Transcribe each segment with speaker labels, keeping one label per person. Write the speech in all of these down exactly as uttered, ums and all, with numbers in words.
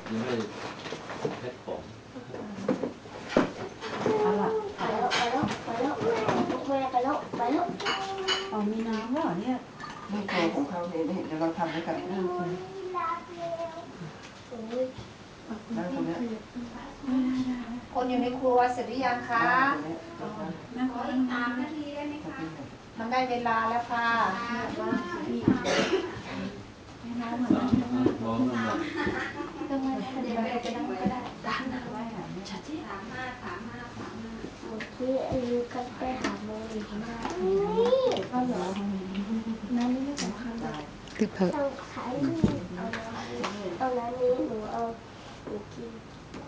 Speaker 1: ยังไม่เพชรผม
Speaker 2: เอาล่ะไปแล้วไปแล้วไปแล้วแม่ไปแล้วไปแล้วอ๋อมีน้ำแล้วเหรอเนี่ย
Speaker 3: ไม่โกงของเขาเห็นเห็นเดี๋ยวเราทำด้วยกันได้ตรงนี้
Speaker 4: คนอยู่ในครัวเสร็จหรือยังคะ
Speaker 2: นั่งอีกสามนาทีได้ไหมคะ
Speaker 4: มันได้เวลาแล้วค่ะ
Speaker 1: น้องมันแบบ
Speaker 2: ก็ไม่ได้เดี๋ยวเราจะนั่งก็ได้สามนาทีชัดที่สามห้าสามห้าสามห้า
Speaker 5: เมื่อกี้อายุกันไปหาโมอีกนะก็เหรอนั่นไม่สำคัญเลย
Speaker 6: คือเพิ่ม
Speaker 5: ต้องใช้เอาเอาน้ำนี้หนูเอาหนูกิน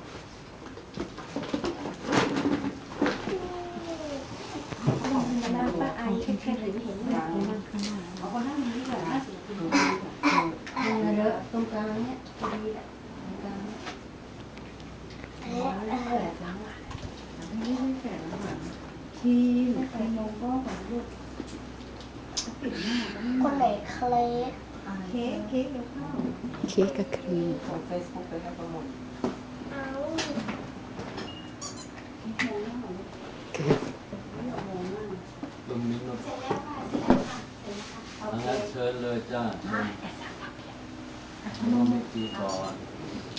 Speaker 5: น้ำปลาไอแค่แค่เห็นเห็นแบบนี้มันขนาด
Speaker 2: เอาคนนั่งนี้แบบน่าสิคุณ
Speaker 5: มันเลอะตรงกลางเนี่ยดีแหละตรงกลางอันนี้อันนี้
Speaker 2: แล้วไม่ได้แฝงหลังทีมทีมโลโก้ของลูกปิดหน้า
Speaker 5: คนไหนเคล็ด
Speaker 2: เค้กเค้กเดี๋ยวเข้า
Speaker 6: เค้กกับครีม
Speaker 3: ส่งเฟซบุ๊กไปให้โปรโมท
Speaker 5: เอา
Speaker 1: ตรงนี้เนาะงั้นเชิญเลยจ้าน้องไม่ตีก่อน